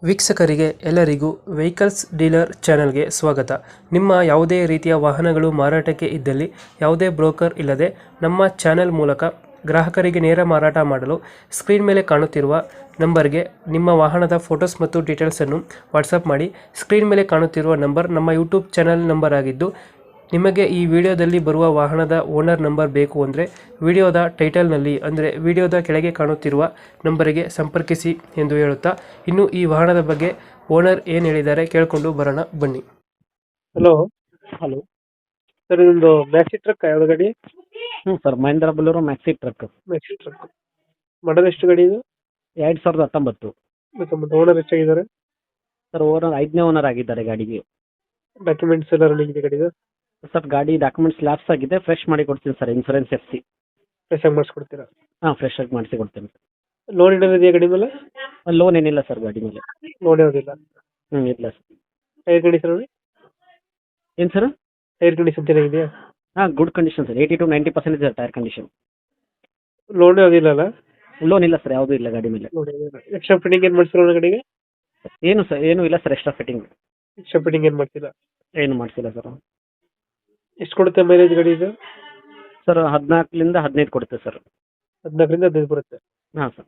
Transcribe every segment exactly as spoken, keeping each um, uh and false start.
ವೀಕ್ಷಕರಿಗೆ ಎಲ್ಲರಿಗೂ vehicles dealer ಚಾನೆಲ್ಗೆ ಸ್ವಾಗತ. ನಿಮ್ಮ ಯಾವುದೇ ರೀತಿಯ ವಾಹನಗಳು ಮಾರಾಟಕ್ಕೆ ಇದ್ದಲ್ಲಿ ಯಾವುದೇ ಬ್ರೋಕರ್ ಇಲ್ಲದೆ ನಮ್ಮ ಚಾನೆಲ್ ಮೂಲಕ ಗ್ರಾಹಕರಿಗೆ ನೇರ ಮಾರಾಟ ಮಾಡಲು ಸ್ಕ್ರೀನ್ ಮೇಲೆ ಕಾಣುತ್ತಿರುವ ನಂಬರ್ಗೆ ನಿಮ್ಮ ವಾಹನದ ಫೋಟೋಸ್ ಮತ್ತು ಡೀಟೇಲ್ಸನ್ನು ವಾಟ್ಸಪ್ ಮಾಡಿ. ಸ್ಕ್ರೀನ್ ಮೇಲೆ ಕಾಣುತ್ತಿರುವ ನಂಬರ್ ನಮ್ಮ ಯೂಟ್ಯೂಬ್ ಚಾನೆಲ್ ನಂಬರ್ ಆಗಿದ್ದು, ನಿಮಗೆ ಈ ವಿಡಿಯೋದಲ್ಲಿ ಬರುವ ವಾಹನದ ಓನರ್ ನಂಬರ್ ಬೇಕು ಅಂದರೆ ವಿಡಿಯೋದ ಟೈಟಲ್ನಲ್ಲಿ ಅಂದರೆ ವಿಡಿಯೋದ ಕೆಳಗೆ ಕಾಣುತ್ತಿರುವ ನಂಬರಿಗೆ ಸಂಪರ್ಕಿಸಿ ಎಂದು ಹೇಳುತ್ತಾ, ಇನ್ನು ಈ ವಾಹನದ ಬಗ್ಗೆ ಓನರ್ ಏನು ಹೇಳಿದ್ದಾರೆ ಕೇಳಿಕೊಂಡು ಬರೋಣ ಬನ್ನಿ. ಹಲೋ ಹಲೋ ಸರ್, ಇದೊಂದು ಮ್ಯಾಕ್ಸಿ ಟ್ರಕ್ ಯಾವ್ದು ಗಾಡಿ? ಹ್ಞೂ sir, Mahindra bolero maxi truck maxi truck ಮಾಡೋದು ಎಷ್ಟು ಗಾಡಿ ಇದು? ಎರಡು ಸಾವಿರದ ಹತ್ತೊಂಬತ್ತು. ಮತ್ತು ಓನರ್ ಎಷ್ಟಾಗಿದ್ದಾರೆ? ಸರ್, ಓನರ್ ಐದನೇ ಓನರ್ ಆಗಿದ್ದಾರೆ ಗಾಡಿಗೆ. ಡಾಕ್ಯುಮೆಂಟ್ಸ್ ಎಲ್ಲ ರನ್ನಿಂಗ್ ಇದೆ ಗಾಡಿದು? ಸರ್, ಗಾಡಿ ಡಾಕ್ಯುಮೆಂಟ್ಸ್ ಲ್ಯಾಪ್ಸ್ ಆಗಿದೆ, ಫ್ರೆಶ್ ಮಾಡಿ ಕೊಡ್ತೀನಿ sir. Insurance F C fresh ಆಗಿ ಮಾಡಿಸ್ಕೊಡ್ತೀರಾ? ಹಾಂ, ಫ್ರೆಶ್ ಆಗಿ ಮಾಡಿಸಿ ಕೊಡ್ತೀನಿ. ಲೋನ್ ಏನಾದ್ರು ಇದೆಯಾ ಗಾಡಿ ಮೇಲೆ? ಲೋನ್ ಏನಿಲ್ಲ ಸರ್ ಗಾಡಿ ಮೇಲೆ. ಲೋನ್ ಯಾವುದಿಲ್ಲ. ಹ್ಞೂ, ಇಲ್ಲ ಸರ್. ಟೈರ್ ಕಂಡೀಷನ್ ನೋಡಿ. ಏನು ಸರ್? ಟೈರ್ ಕಂಡೀಷನ್ ಚೆನ್ನಾಗಿದೆಯಾ? ಹಾಂ, good condition sir. Eighty to ninety percent ಇದೆ ಟೈರ್ ಕಂಡೀಷನ್. ಲೋನ್ ಯಾವುದಿಲ್ಲ ಅಲ್ಲ? ಲೋನ್ ಇಲ್ಲ ಸರ್, ಯಾವುದೂ ಇಲ್ಲ ಗಾಡಿ ಮೇಲೆ. ಲೋನ್ ಎಕ್ಸ್ಟ್ರಾ ಫಿಟ್ಟಿಂಗ್ ಏನು ಮಾಡ್ಸಿರೋ ಗಾಡಿಗೆ? ಏನು ಸರ್, ಏನೂ ಇಲ್ಲ sir. Extra fitting extra fitting ಏನು ಮಾಡ್ತಿಲ್ಲ? ಏನು ಮಾಡಿಸಿಲ್ಲ ಸರ್. ಎಷ್ಟು ಕೊಡುತ್ತೆ ಮೈಲೇಜ್ ಗಾಡಿ ಇದು? ಸರ್, ಹದಿನಾಲ್ಕರಿಂದ ಹದಿನೈದು ಕೊಡುತ್ತೆ ಸರ್. ಹದಿನಾಲ್ಕರಿಂದ ಹದಿನೈದು ಬರುತ್ತೆ. ಹಾಂ ಸರ್.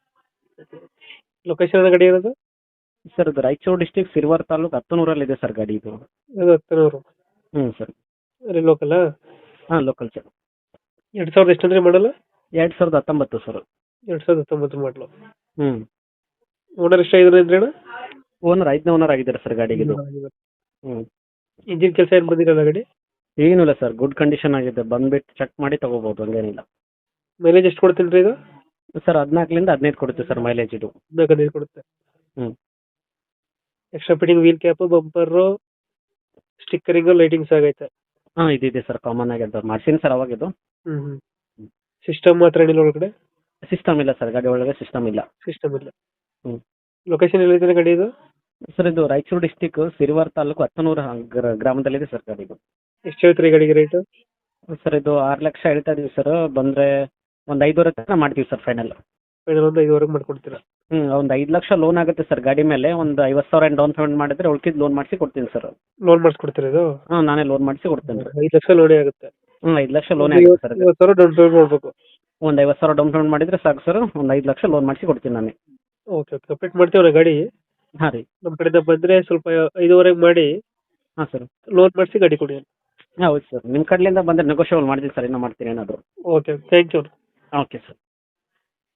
ಲೊಕೇಶನ್ ಗಾಡಿ ಇರೋದು? ಸರ್, ಇದು ರಾಯಚೂರು ಡಿಸ್ಟಿಕ್ ಸಿರ್ವಾರ್ ತಾಲೂಕು ಹತ್ತನೂರಲ್ಲಿ ಇದೆ ಸರ್ ಗಾಡಿ ಇದು. ಅದು ಹತ್ತನೂರು. ಹ್ಞೂ ಸರ್. ಅಲ್ಲಿ ಲೋಕಲ್? ಹಾಂ, ಲೋಕಲ್ ಸರ್. ಎರಡು ಸಾವಿರದ ಎಷ್ಟು ಅಂದರೆ ಮಾಡಲ್ಲ? ಎರಡು ಸಾವಿರದ ಹತ್ತೊಂಬತ್ತು ಸರ್. ಎರಡು ಸಾವಿರದ ಹತ್ತೊಂಬತ್ತು ಮಾಡಲು. ಹ್ಞೂ. ಓನರ್ ಎಷ್ಟಾಗಿದ್ದಾರೆ ಅಂದ್ರೆ ಅಣ್ಣ? ಓನರ್ ಐದನೇ ಓನರ್ ಆಗಿದ್ದಾರೆ ಸರ್ ಗಾಡಿಗೆ ಇದು. ಹ್ಞೂ. ಇಂಜಿನ್ ಕೆಲಸ ಏನು ಬಂದಿರಲ್ಲ ಗಾಡಿ? ಏನಿಲ್ಲ ಸರ್, ಗುಡ್ ಕಂಡೀಷನ್ ಆಗಿದೆ. ಬಂದ್ಬಿಟ್ಟು ಚೆಕ್ ಮಾಡಿ ತಗೋಬೋದು, ಹಂಗೇನಿಲ್ಲ. ಮೈಲೇಜ್ ಎಷ್ಟು ಕೊಡ್ತೀನಿ ರೀ ಇದು? ಸರ್, ಹದಿನಾಲ್ಕರಿಂದ ಹದಿನೈದು ಕೊಡುತ್ತೆ ಸರ್ ಮೈಲೇಜ್ ಇದು. ಹದಿನಾಲ್ಕು ಹದಿನೈದು ಕೊಡುತ್ತೆ. ಹ್ಞೂ. Extra fitting wheel cap, bumper, stickering, lightings ಆಗೈತೆ? ಹಾಂ, ಇದಿದೆ ಸರ್, ಕಾಮನ್ ಆಗಿದೆ. ಮಾಡ್ಸೀನಿ ಸರ್ ಅವಾಗಿದ್ದು. ಹ್ಞೂ ಹ್ಞೂ. ಸಿಸ್ಟಮ್ ಮಾತ್ರ ಏನಿಲ್ಲ ಒಳಗಡೆ? ಸಿಸ್ಟಮ್ ಇಲ್ಲ ಸರ್, ಗಾಡಿ ಒಳಗೆ ಸಿಸ್ಟಮ್ ಇಲ್ಲ. ಸಿಸ್ಟಮ್ ಇಲ್ಲ. ಹ್ಞೂ. ಲೊಕೇಶನ್ ಎಲ್ಲಿದೆ ಗಾಡಿ ಇದು? ಸರ್, ಇದು ರಾಯಚೂರು ಡಿಸ್ಟಿಕ್ ಸಿರ್ವಾರ್ ತಾಲೂಕು ಹತ್ತನೂರು ಗ್ರಾಮದಲ್ಲಿದೆ ಸರ್ ಗಾಡಿ ಇದು. ಎಷ್ಟು ಹೇಳ್ತೀರಿ ಗಾಡಿಗೆ ರೇಟು? ಸರ್, ಇದು ಆರು ಲಕ್ಷ ಹೇಳ್ತಾ ಇದೀವಿ ಸರ್. ಬಂದರೆ ಒಂದು ಐದುವರೆ ತನಕ ಮಾಡ್ತೀವಿ ಸರ್ ಫೈನಲ್. ಫೈನಲ್ ಒಂದು ಐದುವರೆಗೆ ಮಾಡ್ಕೊಡ್ತೀರಾ? ಹ್ಞೂ. ಒಂದು ಐದು ಲಕ್ಷ ಲೋನ್ ಆಗುತ್ತೆ ಸರ್ ಗಾಡಿ ಮೇಲೆ. ಒಂದು ಐವತ್ತು ಸಾವಿರ ಏನು ಡೌನ್ ಪೇಮೆಂಟ್ ಮಾಡಿದ್ರೆ ಉಳ್ಕಿದ್ದು ಲೋನ್ ಮಾಡಿಸಿ ಕೊಡ್ತೀನಿ ಸರ್. ಲೋನ್ ಮಾಡಿಸ್ಕೊಡ್ತೀರಾ ಇದು? ಹಾಂ, ನಾನೇ ಲೋನ್ ಮಾಡಿಸಿ ಕೊಡ್ತೇನೆ ರೀ. ಐದು ಲಕ್ಷ ಲೋನೇ ಆಗುತ್ತೆ? ಹ್ಞೂ, ಐದು ಲಕ್ಷ ಲೋನೇ ಆಗುತ್ತೆ ಸರ್. ಐವತ್ತು ಸಾವಿರ ಡೌನ್ ಪೇಮೆಂಟ್ ಮಾಡಬೇಕು? ಒಂದು ಐವತ್ತು ಸಾವಿರ ಡೌನ್ ಪೇಮೆಂಟ್ ಮಾಡಿದರೆ ಸಾಕು ಸರ್. ಒಂದು ಐದು ಲಕ್ಷ ಲೋನ್ ಮಾಡಿಸಿ ಕೊಡ್ತೀನಿ ನಾನೇ. Okay okay. ಕಂಪ್ಲೀಟ್ ಮಾಡ್ತೀವಿ ಗಾಡಿ. ಹಾಂ ರೀ. ನಮ್ಮ ಕಡೆಯಿಂದ ಬಂದರೆ ಸ್ವಲ್ಪ ಐದುವರೆಗೆ ಮಾಡಿ ಹಾಂ ಸರ್. ಲೋನ್ ಮಾಡಿಸಿ ಗಾಡಿ ಕೊಡಿ. ಹಾಂ, ಹೌದು ಸರ್. ನಿಮ್ಮ ಕಡೆಯಿಂದ ಬಂದರೆ ನೆಗೋಷಿಯಬಲ್ ಮಾಡ್ತೀನಿ ಸರ್, ಇನ್ನೂ ಮಾಡ್ತೀನಿ ಏನಾದರೂ. Okay, thank you. Okay sir.